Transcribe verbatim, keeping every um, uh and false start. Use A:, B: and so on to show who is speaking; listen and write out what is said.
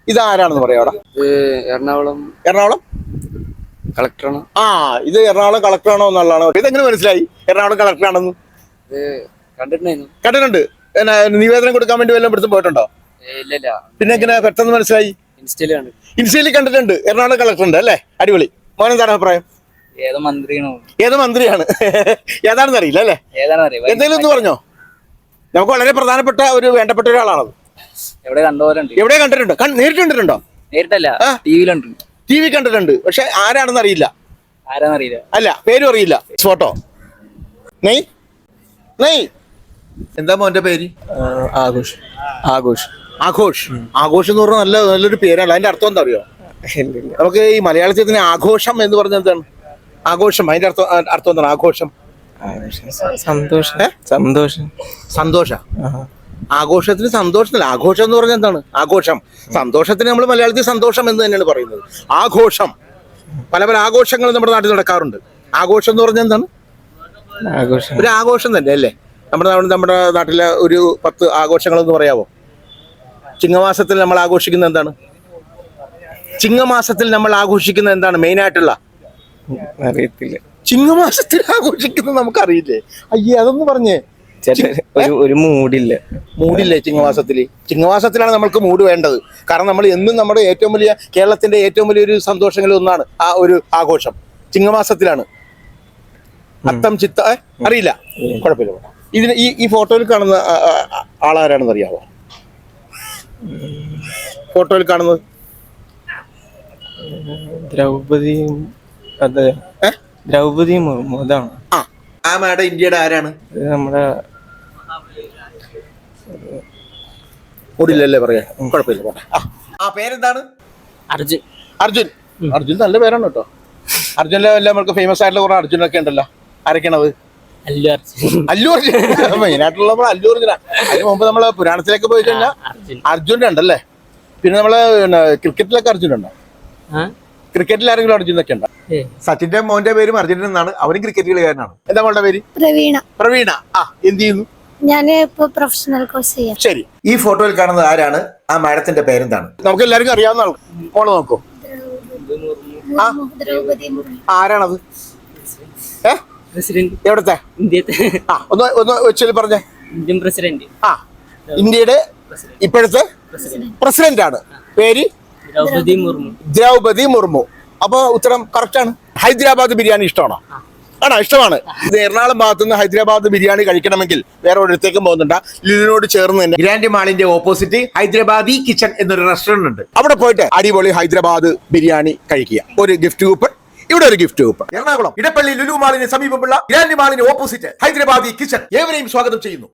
A: ഇതാരാണെന്ന് പറയാം അവിടെ?
B: എറണാകുളം
A: എറണാകുളം
B: കളക്ടറാണ്.
A: ആ ഇത് എറണാകുളം കളക്ടറാണോ എന്നുള്ളതാണ്. ഇതെങ്ങനെ മനസ്സിലായി എറണാകുളം കളക്ടറാണെന്ന്?
B: കണ്ടിട്ടുണ്ടായിരുന്നു.
A: കണ്ടിട്ടുണ്ട്. എന്നാ നിവേദനം കൊടുക്കാൻ വേണ്ടി വല്ലതും ഇവിടുത്തെ പോയിട്ടുണ്ടോ?
B: ഇല്ല.
A: പിന്നെ എങ്ങനെ പെട്ടെന്ന് മനസ്സിലായി?
B: ഇൻസ്റ്റയില് കണ്ടു.
A: ഇൻസ്റ്റയിൽ കണ്ടിട്ടുണ്ട്. എറണാകുളം കളക്ടർ ഉണ്ട് അല്ലേ? അടിപൊളി. മോനെന്താണ് അഭിപ്രായം?
B: ഏതോ മന്ത്രിയാണോ?
A: ഏത് മന്ത്രിയാണ് ഏതാണെന്ന് അറിയില്ല അല്ലേ? എന്തെങ്കിലും ഒന്ന് പറഞ്ഞോ. നമുക്ക് വളരെ പ്രധാനപ്പെട്ട ഒരു വേണ്ടപ്പെട്ട ഒരാളാണത്.
B: എവിടെ കണ്ടുപോലുണ്ട്?
A: എവിടെ കണ്ടിട്ടുണ്ടോ? നേരിട്ട് കണ്ടിട്ടുണ്ടോ?
B: നേരിട്ടല്ല, ടിവിയിൽ കണ്ടിട്ടുണ്ട്.
A: ടി വി കണ്ടിട്ടുണ്ട്. പക്ഷെ ആരാണെന്ന് അറിയില്ല.
B: ആരാന്നറിയില്ല.
A: അല്ല, പേരും അറിയില്ല. ഫോട്ടോ നെയ് നെയ് എന്താ മോന്റെ പേര്?
B: ആഘോഷ്. ആഘോഷ്
A: ആഘോഷ് ആഘോഷ് എന്ന് പറഞ്ഞാൽ നല്ല നല്ലൊരു പേരാണ്. അതിന്റെ അർത്ഥം എന്താ അറിയോ? നമുക്ക് ഈ മലയാളത്തിൽ തന്നെ ആഘോഷം എന്ന് പറഞ്ഞാൽ എന്താണ്? ആഘോഷം അതിന്റെ അർത്ഥം അർത്ഥം എന്താണ്? ആഘോഷം
B: സന്തോഷം. സന്തോഷം
A: സന്തോഷ ആഘോഷത്തിന് സന്തോഷത്തില്ല. ആഘോഷം എന്ന് പറഞ്ഞാൽ എന്താണ്? ആഘോഷം. സന്തോഷത്തിന് നമ്മൾ മലയാളത്തിൽ സന്തോഷം എന്ന് തന്നെയാണ് പറയുന്നത്. ആഘോഷം, പല പല ആഘോഷങ്ങൾ നമ്മുടെ നാട്ടിൽ നടക്കാറുണ്ട്. ആഘോഷം എന്ന് പറഞ്ഞാൽ എന്താണ്?
B: ആഘോഷം
A: ഒരു ആഘോഷം തന്നെ അല്ലേ? നമ്മുടെ നമ്മുടെ നാട്ടിലെ ഒരു പത്ത് ആഘോഷങ്ങളെന്ന് പറയാമോ? ചിങ്ങമാസത്തിൽ നമ്മൾ ആഘോഷിക്കുന്നത് എന്താണ്? ചിങ്ങമാസത്തിൽ നമ്മൾ ആഘോഷിക്കുന്നത് എന്താണ് മെയിനായിട്ടുള്ള?
B: അറിയത്തില്ല.
A: ചിങ്ങമാസത്തിൽ ആഘോഷിക്കുന്നത് നമുക്കറിയില്ലേ? അയ്യേ, അതൊന്ന് പറഞ്ഞേ.
B: ഒരു മൂടില്ല.
A: മൂടില്ലേ ചിങ്ങമാസത്തിൽ? ചിങ്ങമാസത്തിലാണ് നമ്മൾക്ക് മൂഡ് വേണ്ടത്. കാരണം നമ്മൾ എന്നും നമ്മുടെ ഏറ്റവും വലിയ കേരളത്തിന്റെ ഏറ്റവും വലിയൊരു സന്തോഷങ്ങളിൽ ഒന്നാണ് ആ ഒരു ആഘോഷം. ചിങ്ങമാസത്തിലാണ്. അത്തം ചിത്ത അറിയില്ല, കുഴപ്പമില്ല. ഇതിന് ഈ ഈ ഫോട്ടോയിൽ കാണുന്ന ആളാരാണെന്ന് അറിയാമോ? ഫോട്ടോയിൽ കാണുന്നത്
B: ദ്രൗപദി. അതെ, ദ്രൗപദി മുർമു. അതാണ്.
A: ആ ആ മാഡം ഇന്ത്യയുടെ ആരാണ്?
B: നമ്മുടെ
A: ഓടില്ലല്ലേ പറയാ, കുഴപ്പമില്ല. പോട്ടെ. ആ പേരെന്താണ്?
B: അർജുൻ.
A: അർജുൻ. അർജുൻ നല്ല പേരാണ് കേട്ടോ. അർജുനിലെ എല്ലാം നമുക്ക് ഫേമസ് ആയിട്ടുള്ള കുറെ അർജുനൊക്കെ ഉണ്ടല്ലോ. ആരൊക്കെയാണത്?
B: അല്ലു അർജുൻ.
A: അല്ലു അർജുൻ മെയിനായിട്ടുള്ള നമ്മൾ അല്ലു അർജുന. അതിന് മുമ്പ് നമ്മള് പുരാണത്തിലേക്ക് പോയി കഴിഞ്ഞാൽ അർജുൻ ഉണ്ടല്ലേ. പിന്നെ നമ്മള് ക്രിക്കറ്റിലൊക്കെ അർജുൻ ഉണ്ടോ? ക്രിക്കറ്റിൽ ആരെങ്കിലും അർജുനൊക്കെ ഉണ്ടോ? സച്ചിന്റെ മോന്റെ പേരും അർജുനൻ എന്നാണ്. അവനും ക്രിക്കറ്റ് കളിക്കാരനാണ്. എന്താ മോളുടെ പേര്?
C: പ്രവീണ.
A: പ്രവീണ. ആ എന്ത് ചെയ്യുന്നു?
C: ഞാൻ ഇപ്പൊ പ്രൊഫഷണൽ കോഴ്സ് ചെയ്യാം.
A: ശരി. ഈ ഫോട്ടോയിൽ കാണുന്നത് ആരാണ്? ആ മാഡത്തിന്റെ പേരെന്താണ്? നമുക്ക് എല്ലാവർക്കും അറിയാവുന്ന ആൾ. മോള് നോക്കൂ. ആരാണത്? ഏ
B: പ്രസിഡന്റ്.
A: എവിടത്തെ?
B: ഇന്ത്യത്തെ.
A: ആ ഒന്ന് ഒന്ന് വെച്ചാൽ പറഞ്ഞേ.
B: Indian president.
A: ആ ഇന്ത്യയുടെ ഇപ്പോഴത്തെ പ്രസിഡന്റ് ആണ്. പേര്?
B: ദ്രൗപദി മുർമു.
A: ദ്രൗപദി മുർമു. അപ്പൊ ഉത്തരം കറക്റ്റ് ആണ്. ഹൈദരാബാദ് ബിരിയാണി ഇഷ്ടമാണോ? ആണോ? ഇഷ്ടമാണ്. ഇത് എറണാകുളം ഭാഗത്തു നിന്ന് ഹൈദരാബാദ് ബിരിയാണി കഴിക്കണമെങ്കിൽ വേറെ ഒരിടത്തേക്കും പോകുന്നുണ്ട്. ലുലുവിനോട് ചേർന്ന് തന്നെ ഗ്രാൻഡ് മാളിന്റെ ഓപ്പോസിറ്റ് ഹൈദരാബാദി കിച്ചൺ എന്നൊരു റെസ്റ്റോറന്റ് ഉണ്ട്. അവിടെ പോയിട്ട് അടിപൊളി ഹൈദരാബാദ് ബിരിയാണി കഴിക്കുക. ഒരു ഗിഫ്റ്റ് കൂപ്പൺ, ഇവിടെ ഒരു ഗിഫ്റ്റ് കൂപ്പൺ. എറണാകുളം ഇടപ്പള്ളി ലുലു മാളിന് സമീപമുള്ള ഗ്രാൻഡ് മാളിന് ഓപ്പോസിറ്റ് ഹൈദരാബാദി കിച്ചൺ ഏവരെയും സ്വാഗതം ചെയ്യുന്നു.